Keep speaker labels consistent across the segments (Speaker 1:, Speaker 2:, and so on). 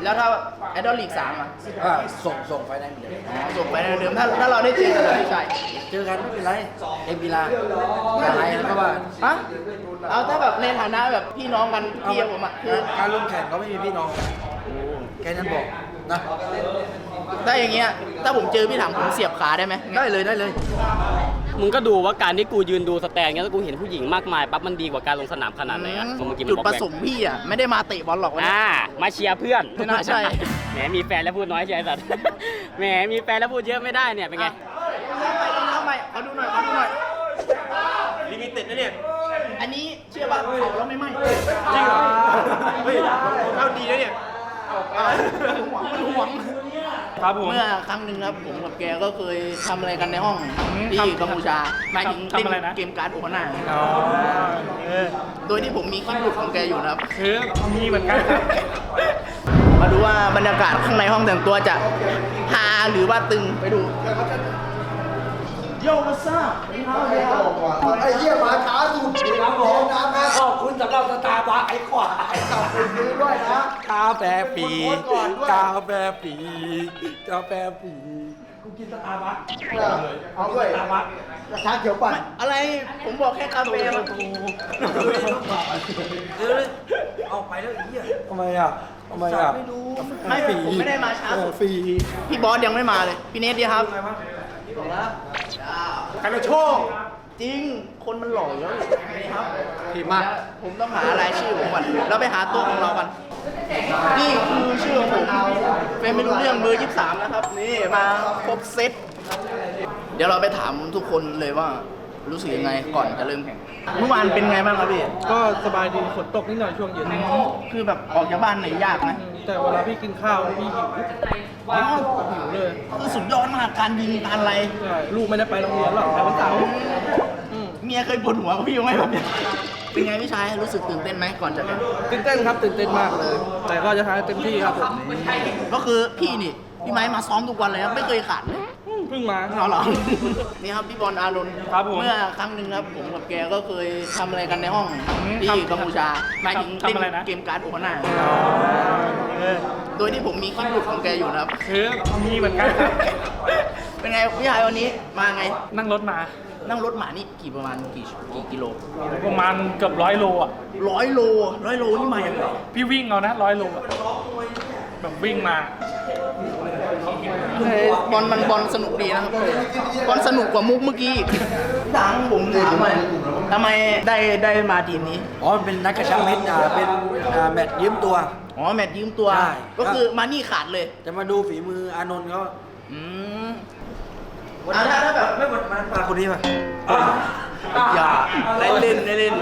Speaker 1: แล้วถ้าไอดอลลีก3อ่ะ
Speaker 2: ส่งไฟได้เหมือนเดิม
Speaker 1: อ๋อส่งไปเดิมถ้าเราได้เจอกันเลยพี่ชาย
Speaker 2: เจอกันไม่เป็นไรเอ็มกีฬาอะไรก็ว่า
Speaker 1: ฮะเอาถ้าแบบในฐานะแบบพี่น้องกันพี่กับผมอ่ะคือ
Speaker 2: การลงแข่งก็ไม่มีพี่น้องแค่นั้นบอกนะ
Speaker 1: ถ้าอย่างเงี้ยถ้าผมเจอพี่ถังผมเสียบขาได้ไหม
Speaker 2: ได้เลย
Speaker 3: มึงก็ดูว่าการที่กูยืนดูสแตนเงี้ยแล้วกูเห็นผู้หญิงมากมายปั๊บมันดีกว่าการลงสนามขนาดไหนอะเมื่อกี้มัน
Speaker 1: จุด
Speaker 3: บอก
Speaker 1: ประสงค์พี่อ่ะไม่ได้มาเตะบอลหรอกวันนี้
Speaker 3: มาเชียร์เพื่อน
Speaker 1: ไม่น่าใช่
Speaker 3: แหมมีแฟนแล้วพูดน้อยใช่ไหมสัตว์ แหมมีแฟนแล้วพูดเยอะไม่ได้เนี่ยเป็นไง
Speaker 1: เอาใหม่ขอดูหน่อย
Speaker 4: ลิมิเต็ดนะเนี่ย
Speaker 1: อันนี้เชื่อป่ะเผาแล้วไม่ไหม้
Speaker 4: จริงเหรอ เฮ้ยเข้าดีนะเนี่ย
Speaker 1: หวง
Speaker 4: ครับผม
Speaker 1: เมื่อครั้งหนึ่งครับผมกับแกก็เคยทำอะไรกันในห้องที่กัมพูชาหมายถึงเล่นเกมการ์ดโอฮาน่าโดยที่ผมมีคลิปหลุดของแกอยู่นะครับ
Speaker 4: คือมีเหมือนกัน
Speaker 1: มาดูว่าบรรยากาศข้างในห้องแต่งตัวจะฮาหรือว่าตึงไปดูโยมาซ่า
Speaker 2: ไอ้เหี้ยมาช้าสุดครับผมนะขอบคุณสำหรับสตาร์บัคไอ้ขวาขอบคุณซื้อด้วยนะกาแฟฟรีกาแฟฟรีกาแฟฟรีกูกินสตาร์บัคเอาด้วยสตาร์บัคชาเขียวปั่น
Speaker 1: อะไรผมบอกแค่กาแฟมา
Speaker 2: เอาไปแล้วไอ้เหี้ยทำไมอ่ะ
Speaker 1: ไม่รู้ไม่ผมไม่ได้มาช้าสุด
Speaker 2: ฟรี
Speaker 1: พี่บอสยังไม่มาเลยพี่เนทดีครับ
Speaker 4: กันโชค
Speaker 1: จริงคนมันหล่อแล้วนี่ครับ
Speaker 2: ผิดมาก
Speaker 1: ผมต้องหารายชื่อผมก่อนแล้วไปหาตัวของเรากันนี่คือชื่อของผมเฟรมไม่รู้เรื่องเบอร์23นะครับนี่มาครบเซตเดี๋ยวเราไปถามทุกคนเลยว่ารู้สึกยังไงก่อนจะเริ่มแข่งเมื่อวานเป็นไงบ้างครับพี่
Speaker 5: ก็สบายดีฝนตกนิดหน่อยช่วงเย็น
Speaker 1: คือแบบออกจากบ้านไหนยากไหม
Speaker 5: แต่เวลาพี่กินข้าวพี่หิว
Speaker 1: อ๋อ
Speaker 5: หิวเลย
Speaker 1: คือสุดยอดมากการยิงการอะไร
Speaker 5: ใช่ลูกไม่ได้ไปโรงเรียนหรอกแต่วันเสาร์
Speaker 1: เมียเคยปวดหัวกับพี่ไหมแบบเนี้ยเป็นไงพี่ชายรู้สึกตื่นเต้นไหมก่อนจะแข่ง
Speaker 5: ตื่นเต้นครับตื่นเต้นมากเลย แต่ก็จะทำให้เต็มที่ครับผม
Speaker 1: ก็คือพี่นี่พี่ไม้มาซ้อมทุกวันเลยครับไม่เคยขาดเลย
Speaker 5: เพิ่งมา
Speaker 1: เอาเหรอ นี่ครับพี่บอลอารนท์
Speaker 4: ครับผม
Speaker 1: เมื่อครั้งหนึ่งครับผมกับแกก็เคยทำอะไรกันในห้องที่กัมพูชาหมายถึงเล่นเกมการ์ดโอฮาน่าโดยที่ผมมีคลิปหลุดของแกอยู่นะครับ
Speaker 4: คือมีเหมือนกัน
Speaker 1: เป็นไงพี่ชายวันนี้มาไง
Speaker 4: นั่งรถมา
Speaker 1: นั่งรถหมานี่ประมาณกี่กิโล
Speaker 4: ประมาณเกือบ100 โลอ่ะ
Speaker 1: 100 โลนี่มาอย่างไร
Speaker 4: พี่วิ่งเอานะ100 โลอะแบบวิ่งมา
Speaker 1: บอลสนุกดีนะครับบอลสนุกกว่ามุกเมื่อกี้อีกดังผมถามหน่อยทำไมได้มาทีมนี้
Speaker 2: อ๋อมันเป็นนักกระชับมิตรเป็นแมตช์ยืมตัว
Speaker 1: อ๋อแมตช์ยืมตัว
Speaker 2: ใช่
Speaker 1: ก็คือมานี่ขาดเลย
Speaker 2: จะมาดูฝีมืออานนท์เขา
Speaker 1: อืมถ้าแบบ
Speaker 2: ไม่มันปลาคนนี้ป่ะ
Speaker 1: อย่าเล่น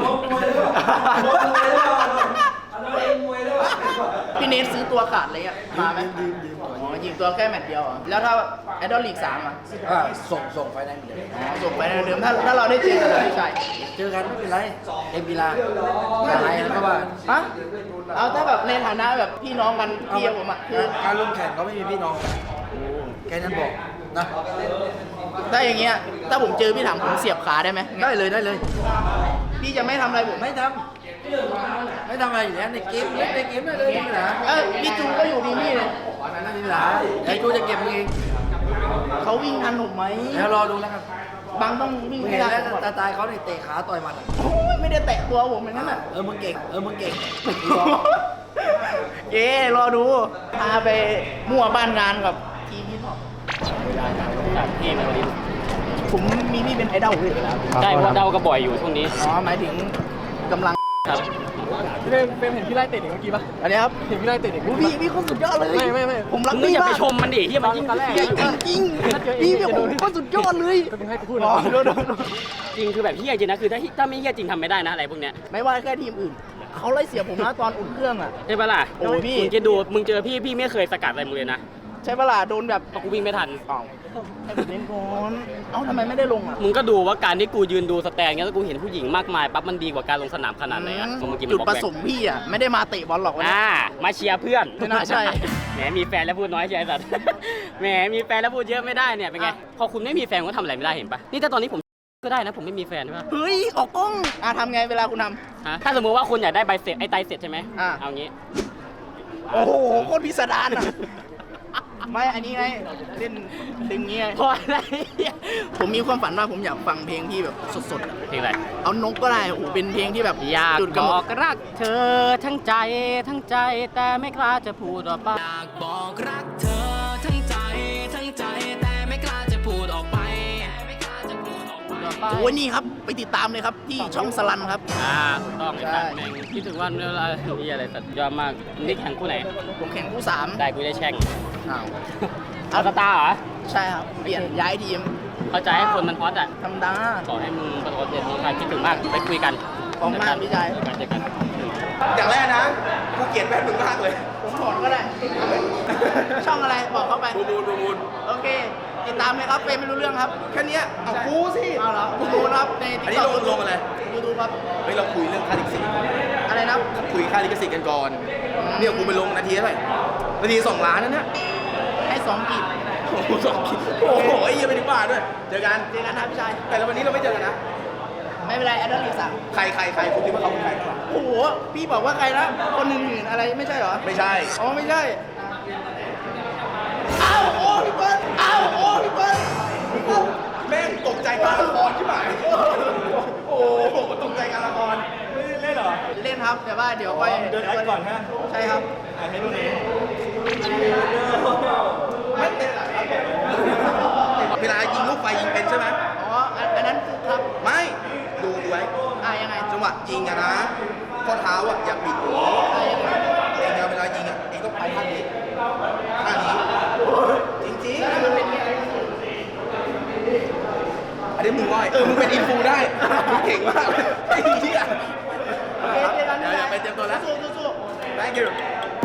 Speaker 1: พี่เนทซื้อตัวขาดเลยอ่ะมาไหมอ๋อยิงตัวแค่แมตช์เดียวอ่ะแล้วถ้าไอดอลลีก3อ่ะ
Speaker 2: ส่งไฟได้เหมือนเดิม
Speaker 1: อ๋อส่งไปเดิมถ้าเราได้เจอกันเลยพี่ชาย
Speaker 2: เจอกันไม่เป็นไรเอ็มกีฬาอะไรก็ว่า
Speaker 1: ฮะเอาถ้าแบบในฐานะแบบพี่น้องกันพี่กับผมอ่ะคือ
Speaker 2: การลงแข่งก็ไม่มีพี่น้องแค่นั้นบอกนะ
Speaker 1: ถ้าอย่างเงี้ยถ้าผมเจอพี่ถังผมเสียบขาได้ไหม
Speaker 2: ได้เลย
Speaker 1: พี่จะไม่ทำอะไรผม
Speaker 2: ไม่ทำอะไรอยู่แล้วในเกมเล่นในเกมได้เลยไม่มีปัญหา
Speaker 1: พี่จูก็อยู่ทีมนี่เลย
Speaker 2: ไม่มีปัญหาไอ้กูจะเก็บมึงเอง
Speaker 1: เขาวิ่งทันผมไหม
Speaker 2: แล้วรอดูแล้วกัน
Speaker 1: บางต้องวิ่ง
Speaker 2: มึง
Speaker 1: ให้
Speaker 2: เห็น
Speaker 1: ได้
Speaker 2: แล้ว
Speaker 1: ก่อน
Speaker 2: ตาเขาเนี่ยเตะขาต่อยหมัด
Speaker 1: โอ้ยไม่ได้แตะตัวผมอย่างนั้นอ่ะ
Speaker 2: มึงเก่งมึงเก่ง
Speaker 1: เย้รอดูพาไปมั่วบ้านงานกับทีมที่ชอบ
Speaker 3: พี่มาวันนี้
Speaker 1: ผมมีพี่เป็นไอดอลเลย
Speaker 3: ใช่เพราะเดาก็บ่อยอยู่ช่วงนี้
Speaker 1: อ๋อหมายถึงกำลัง
Speaker 3: ครับ
Speaker 5: เฟรมเห็นพี่ไล่เตะเด็กเมื่อกี้ปะ
Speaker 1: อันนี้ครับ
Speaker 5: เห็นพี่ไล่เตะเด็ก
Speaker 1: โอ้พี่คนสุดยอดเลย
Speaker 5: ไม่
Speaker 1: ผมรัก
Speaker 3: มึง
Speaker 1: พี่
Speaker 3: อย่าไป
Speaker 1: มาก
Speaker 3: ชมมันดิที่มันยิ่ง
Speaker 5: ตอนแรก
Speaker 1: จริงพี่แบบผมคนสุดยอดเลย
Speaker 5: ก็มึงให้กูพูด
Speaker 1: อ๋อ
Speaker 5: นะ
Speaker 1: โดน
Speaker 3: จริงคือแบบเฮี้ยจริงนะคือถ้าไม่เฮี้ยจริงทำไม่ได้นะอะไรพวกเนี้ย
Speaker 1: ไม่ว่าแค่ทีมอื่น เขาไล่เสียผมนะตอนอุ่นเครื่องอ่ะ
Speaker 3: ใช่ปะล่ะ
Speaker 1: โอ้ยพี่
Speaker 3: มึงจะดูมึงเจอพี่ไม่เคยสกัดอะไรมึงเลยนะ
Speaker 1: ใช่ปะล่ะโดนแบบ
Speaker 3: เพราะกูวิ่งไม่ทัน
Speaker 1: อ้าวให้ผมเล่นก่อนเอ้าทำไมไม่ได้ลงอ่ะ
Speaker 3: มึงก็ดูว่าการที่กูยืนดูสแตนเงี้ยแล้วกูเห็นผู้หญิงมากมายปั๊บมันดีกว่าการลงสนามขนาดไหนอะเมื่อกี้มัน
Speaker 1: จุด
Speaker 3: บอก
Speaker 1: ประ
Speaker 3: แบ
Speaker 1: ส
Speaker 3: บ
Speaker 1: งค์พี่อ่ะไม่ได้มาเตะบอลหรอกวันนี้
Speaker 3: มาเชียร์เพื่อน
Speaker 1: ไม่น่าใช่
Speaker 3: แหมมีแฟนแล้วพูดน้อยใช่ไหมสัตว์ แหมมีแฟนแล้วพูดเยอะไม่ได้เนี่ยเป็นไงพอคุณไม่มีแฟนก็ทำอะไรไม่ได้เห็นปะนี่ถ้าตอนนี้ผมก็ได้นะผมไม่มีแฟนใช่ปะ
Speaker 1: เฮ้ยออกกล้องทำไงเวลาคุณทำ
Speaker 3: ฮะถ้าสมมติว่าคุณอยากได้ใบเสร็จไอ้ไตเสร็จใช่ไหม
Speaker 1: อ่า
Speaker 3: เอางี้
Speaker 1: โอ้โหโคตรพิสดารอ่ะ ไม่อันนี้ไงเล่นดึงเงี้ย
Speaker 3: พออะไรเนี่ย
Speaker 1: ผมมีความฝันว่าผมอยากฟังเพลงที่แบบสดๆอะ
Speaker 3: เพลงอะไร
Speaker 1: เอานกก็ได้โอ้โหเป็นเพลงที่แบบ
Speaker 3: อยาก
Speaker 1: จุด
Speaker 3: บ
Speaker 1: กำหน
Speaker 3: อ
Speaker 1: ด
Speaker 3: กรักเธอทั้งใจทั้งใจแต่ไม่กล้าจะพูดออกไป
Speaker 6: อยากบอกรักเธอทั้งใจทั้งใจแต่ไม่กล้าจะพูดออกไป
Speaker 1: โอ้ยนี่ครับไปติดตามเลยครับที่ช่องสลันครับ
Speaker 3: ถูกต้องไอ้สัตว์แม่งคิดถึงวันเวลาที่อะไรสัตว์ยอดมากนี่แข่งคู่ไหน
Speaker 1: ผมแข่งคู่ 3
Speaker 3: ได้กูได้แช่ง
Speaker 1: อ้าว
Speaker 3: เอาสตาร์เหรอ
Speaker 1: ใช่ครับเปลี่ยนย้ายทีม
Speaker 3: เข้าใจให้คนมันฮอตอ่ะ
Speaker 1: ธรรมดา
Speaker 3: ขอให้มึงประสบความสำเร็จมีใครคิดถึงมากไปคุยกัน
Speaker 1: ขอบคุณมากพี่ชาย
Speaker 3: เจอกัน
Speaker 4: อย่างแรกนะกูเกลียดแม่มึงมากเลย
Speaker 1: ผมถอนก็ได้ ช่องอะไรบอกเข้าไป
Speaker 4: บูมูล
Speaker 1: โอเค ติดตามเลยครับเฟรมไม่รู้เรื่องครับ
Speaker 4: แค่เนี้ยเอากูสิ
Speaker 1: เอาเหรอผมรู้นะครับใน
Speaker 4: อันนี้
Speaker 1: TikTok
Speaker 4: ลงอะไร
Speaker 1: ยูทูบครับ
Speaker 4: เฮ้ยเราคุยเรื่องค่าลิขสิทธิ์
Speaker 1: อะไรนะ
Speaker 4: คุยค่าลิขสิทธิ์กันก่อนเนี่ยกูไปลงนาทีเท่าไหร่นาที2 ล้านนั่นเนี่ย
Speaker 1: ให้2กีบ
Speaker 4: โอ้โหโอ้โหไอ้เหี้ยังไปถึงบ้านด้วยเจอกัน
Speaker 1: เจอกันนะพี่ชาย
Speaker 4: แต่ละวันนี้เราไม่เจอกันนะ
Speaker 1: ไม่เป็นไรแอดดอลลีสั่ง
Speaker 4: ใครคุณคิดว่าเขาเป็นใคร
Speaker 1: โอ้โห พี่บอกว่าใครนะ คนหนึ่งอะไรไม่ใช่เหรอ
Speaker 4: ไม่ใช่
Speaker 1: อ๋อ ไม่ใช่ อ้าว โอ้พี่เปิ้ลอ้าว โอ้พี่เปิ้ล
Speaker 4: แม่งตกใจการละครใช่ไหมโอ้โหตกใจการละครเล่นเหรอ
Speaker 1: เล่นครับ แต่ว่าเดี๋ยวไป
Speaker 4: เดินแอคก่อนฮะ
Speaker 1: ใช่ครับ
Speaker 4: ให้ดูหน่อยเวลายิงลูกไฟยิงเป็นใช่ไหม
Speaker 1: อ๋อ อันนั้นคือครับ
Speaker 4: ไม่ดูไว้
Speaker 1: ยังไง
Speaker 4: จังหวะยิงอะนะข้อเท้าอะอย่าปิดหัว
Speaker 1: ยังไง
Speaker 4: เองอะเวลายิงอะเองต้องไปท่านี้ท่านี้จริงๆ
Speaker 1: มันเป็น
Speaker 4: อันนี้มึงง่อยมึงเป็นอินฟูได้มึงเก่งมากไอ้เหี้ย
Speaker 1: โอเคเจอกัน
Speaker 4: เดี๋ยวไปเตรียมตัวแล้ว
Speaker 1: สู้
Speaker 4: thank you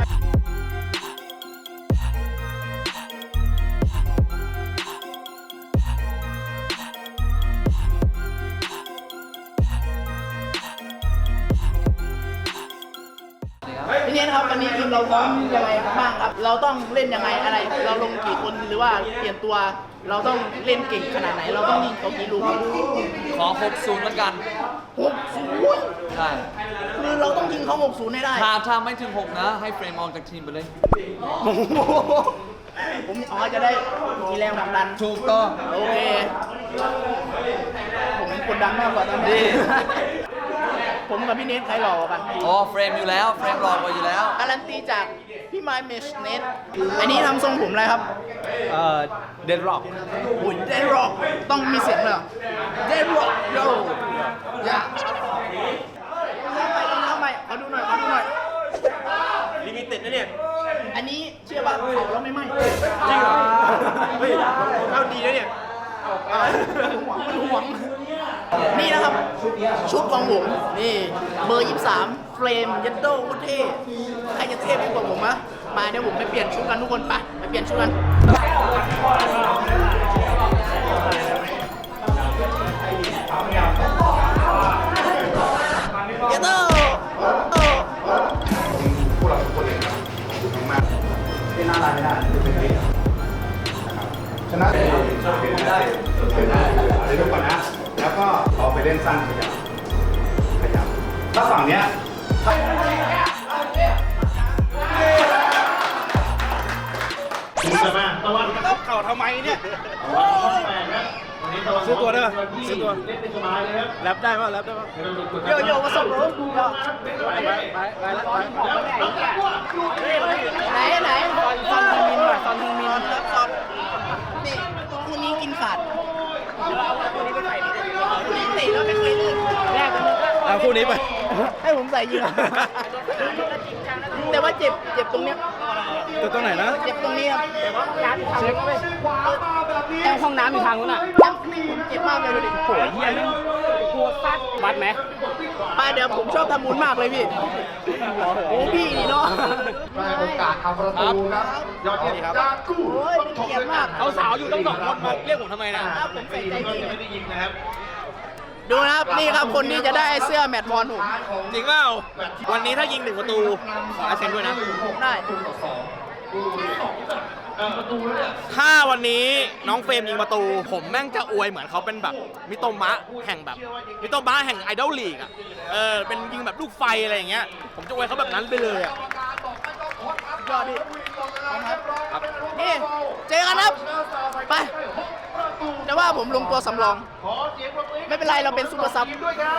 Speaker 1: พี่เนทครับวันนี้ทีมเราซ้อมยังไงบ้างครับ เราต้องเล่นยังไงอะไร เราลงกี่คนหรือว่าเปลี่ยนตัว เราต้องเล่นเก่งขนาดไหน เราต้องยิงเขากี่ลูกครับ
Speaker 2: ขอ60แล้วกัน
Speaker 1: 60
Speaker 2: ใช่
Speaker 1: คือเราต้องยิงเขา60ให้ได้
Speaker 2: ถ้าไม่ถึง 6 นะ ให้เฟรมออกจากทีมไปเลย
Speaker 1: โอ้โหผมจะได้มีแรงผลักดัน
Speaker 2: ถูกต้อง
Speaker 1: โอเค ผมกดดันมากกว่าตอนนี้ ผมกับพี่เนทใครหล่อกว่ากัน
Speaker 2: อ๋อ เฟรมอยู่แล้ว เฟรมรอกว่าอยู่แล้ว
Speaker 1: การันตีจากพี่ไมค์เมชเนทอันนี้ทำทรงผมอะไรครับ
Speaker 2: เดนร็อก
Speaker 1: หุ่นเดนร็อกต้องมีเสียงเลยเดนร็อกโยอย่าทำไมขอดูหน่อย
Speaker 4: ลิมิเต็ดนะเนี่ย
Speaker 1: อันนี้เชื่อป่ะเผาแล้วไม่ไหม้
Speaker 4: จริงเหรอเฮ้ยเอาดีนะเนี่ย
Speaker 1: หวงนี่นะครับ ชุดของผม นี่เบอร์ 23 เฟรมยัดโดโคตรเท่ใครจะเท่ไปกว่าผมมะมาเดี๋ยวผมไปเปลี่ยนชุดกันทุกคนไปเปลี่ยนชุดกันยัดโด
Speaker 7: ชนะได้เดี๋ยวดูก่อนนะ แล้วก็เอาไปเล่นสั้นขยับถ้าฝั่งเนี้ยคุณจะมาตะวันเข้าเข่าทำไมเนี่ยซื้อตัวได้ป่ะซื้อตัวแรปได้ป่ะแรปได้ป่ะ
Speaker 1: โยมาส่งรถ
Speaker 7: ไปแล้วไป
Speaker 1: ไหนซอนฮึงมินหน่อยซอนฮึงมินครับซอนนี่คู่นี้กินขาดคู่นี้ไปใส่คู่นี้ติแล้วไม่เคยเล่นแรกกันเลย
Speaker 7: เอาคู่นี้ไป
Speaker 1: ให้ผมใส่ยิงแต่ว่าเจ็บตรงเนี้ย
Speaker 7: ตัวตรงไหนนะ
Speaker 1: เจ็บตรงนี้ครับ
Speaker 3: แอลห้องน้ำอยู่ทางนู้นอ่ะ
Speaker 1: ผมเจ็บมากเลยดูดิ
Speaker 3: โหเฮียนี่กลัวฟัดวัดไหม
Speaker 1: ไปเดี๋ยวผมชอบทำบุญมากเลยพี่โอ้พี่นี่เนาะ
Speaker 7: โอกาสทำประตูครับยอดเยี่ยมครับ
Speaker 1: โอ้ยเป็นเกียรติมาก
Speaker 3: เอาสาวอยู่ต้อง2 คนมาเรียกผมทำไมนะ
Speaker 1: ครับผมใส่ใจจริง
Speaker 7: ไม่ได้ยิงนะครับ
Speaker 1: ดูนะครับนี่ครับคนที่จะได้เสื้อแมตต์บอลผม
Speaker 4: จริงเปล่าวันนี้ถ้ายิง1 ประตู ขอลายเซ็นด้วยนะ
Speaker 1: ได้
Speaker 4: ถ้าวันนี้น้องเฟรมยิงประตู ผมแม่งจะอวยเหมือนเขาเป็นแบบมิโตมะแห่งแบบมิโตมะแห่งไอดอลลีกอ่ะเป็นยิงแบบลูกไฟอะไรอย่างเงี้ยผมจะอวยเขาแบบนั้นไปเลยอ่ะ
Speaker 1: ยอดดินี่เจอกันครับ ไป แต่ว่าผมลงตัวสำรอง ไม่เป็นไรเราเป็นซุปเปอร์ซับ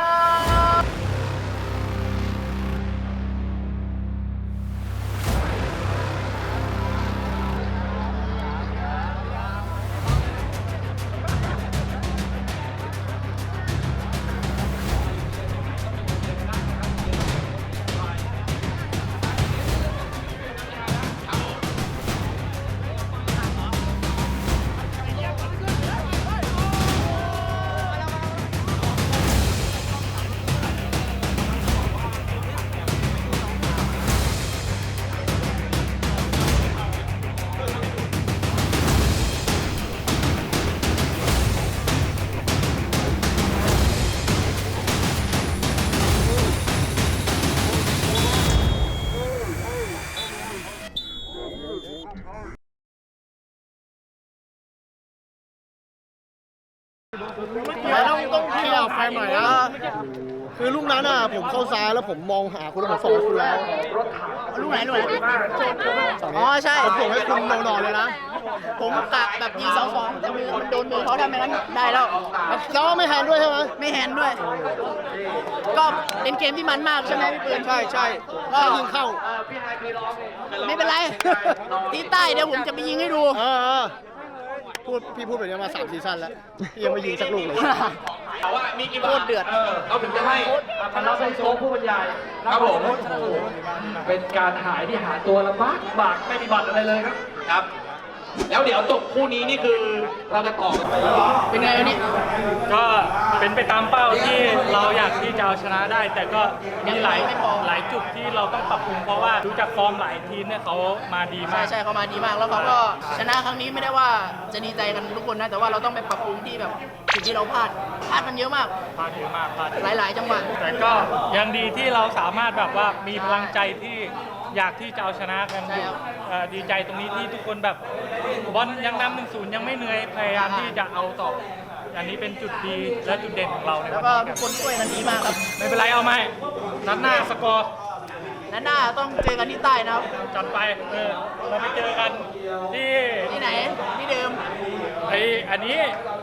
Speaker 8: ต้องเคลียร์แฟนหน่อยนะ คือลูกนั้นอ่ะผมเข้าซ้ายแล้วผมมองหาคุณแล้วผมส่งให้คุณแล้ว
Speaker 1: ลูกไหนอ๋อใช่
Speaker 8: ผมส่งให้คุณนอนๆเลยนะ
Speaker 1: ผมกะแบบยิง2-2แต่มือมันโดนมือเขาทำไมนั้นได้แล้ว
Speaker 8: แล้วไม่แฮนด์ด้วยใช่ไหม
Speaker 1: ไม่แฮนด์ด้วย ก็เป็นเกมที่มันมากใช่ไหมพี่ปืน
Speaker 8: ใช่ใช่ก็ยิงเข้า
Speaker 1: ไม่เป็นไร ตีใต้เดี๋ยวผมจะไปยิงให้ดู
Speaker 8: พี่พูดแบบนี้มา3 ซีซั่นแล้วพี่ยังไม่ยิงสักลูกเลย
Speaker 1: โคตรเดือด
Speaker 2: เราถึงจะให้คณะไซโซผู้บรรยายครับผมเป็นการหายที่หาตัวลำบากไม่มีบัตรอะไรเลยครับครับ แล้วเดี๋ยวจบคู่นี้นี่คือเราจะต่อกันไป
Speaker 1: เป็นไงวันนี้
Speaker 5: ก็เป็นไปตามเป้าที่เราอยากที่จะเอาชนะได้ แต่ก็มีหลายจุดที่เราต้องปรับปรุงเพราะว่าดูจากฟอร์มหลายทีมเนี่ยเขามาดีมา
Speaker 1: ใช่
Speaker 5: ก
Speaker 1: ใช่เขามาดีมาก แล้วเขาก็ชนะครั้งนี้ไม่ได้ว่าจะดีใจกันทุกคนนะ แต่ว่าเราต้องไปปรับปรุงที่แบบสิ่งที่เราพลาดกันเยอะมาก
Speaker 5: พลาดเยอะมากพลาด
Speaker 1: หลาย ๆ จังหวะ
Speaker 5: แต่ก็ยังดีที่เราสามารถแบบว่ามีพลังใจที่อยากที่จะเอาชนะกันอยู่ดีใจตรงนี้ที่ทุกคนแบบบอลยังนำ1-0ยังไม่เหนื่อยพยายามที่จะเอาต่อ อันนี้เป็นจุดดีและจุดเด่นของเราใน
Speaker 1: แล้
Speaker 5: วั
Speaker 1: วน ก็
Speaker 5: นี้
Speaker 1: ทุกคนช่วยกันดีมากครับ
Speaker 5: ไม่เป็นไรเอาไหมนัดหน้าสกอร์
Speaker 1: นัดหน้าต้องเจอกันที่ใต้นะครับ
Speaker 5: จัดไปเราไปเจอกันที่
Speaker 1: ที่ไหน ที่เดิม
Speaker 5: อันนี้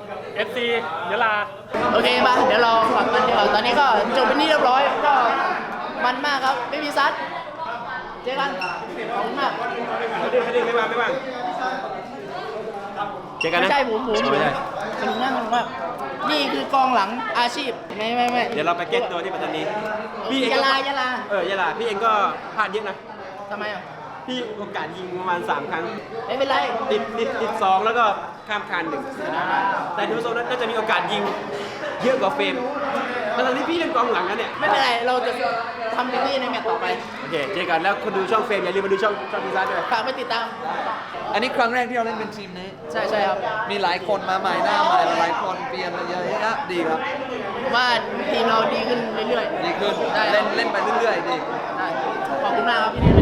Speaker 5: FC ยะลา
Speaker 1: โอเคมาเดี๋ยวเรากลับกันเดี๋ยวาตอนนี้ก็จบเป็นที่เรียบร้อย ก็มันมากครับ ไม่มีซัด เจอกัน ขอบคุณมาก
Speaker 2: ไม่ว่าง
Speaker 1: เจอกันนะไม่ใช่ผมสนุกมากสนุกมาก นี่คือกองหลังอาชีพ ไม่
Speaker 9: เดี๋ยวเราไปเก็ตตัวที่ปัตตานีพี่เอง
Speaker 1: ยะ
Speaker 9: ก็
Speaker 1: ลายะลา
Speaker 9: ยะลาพี่เองก็พลาดเยอะนะ
Speaker 1: ทำไมอ่ะ
Speaker 9: พี่โอกาสยิงประมาณ3 ครั้ง
Speaker 1: ไม่เป็นไร
Speaker 9: ติด2แล้วก็ข้ามคาน1แต่ดูโซนนั้นก็จะมีโอกาสยิงเยอะกว่าเฟรมแต่ตอนนี้พี่เล่นกองหลังแล้วเนี่ย
Speaker 1: ไม่เป็นไร เราจะทำเต็มที่ในแมตช์ต่อไป
Speaker 9: โอเคเจอกันแล้วคนดูช่องเฟรมอย่าลืมมาดูช่องพิซซ่าด้วย
Speaker 1: ฝากไปติดตาม
Speaker 2: อันนี้ครั้งแรกที่เราเล่นเป็นทีมนี้
Speaker 1: ใช่ครับ
Speaker 2: มีหลายคนมาใหม่หน้าใหม่หลายคนเปลี่ยนมาเยอะแยะดีครับ
Speaker 1: ผมว่าทีมเราดีขึ้นเรื่อยๆ
Speaker 2: ดีขึ้น
Speaker 1: ได้
Speaker 2: เล่นไปเรื่อยๆดี
Speaker 1: ได้ขอบคุณมากครับพี่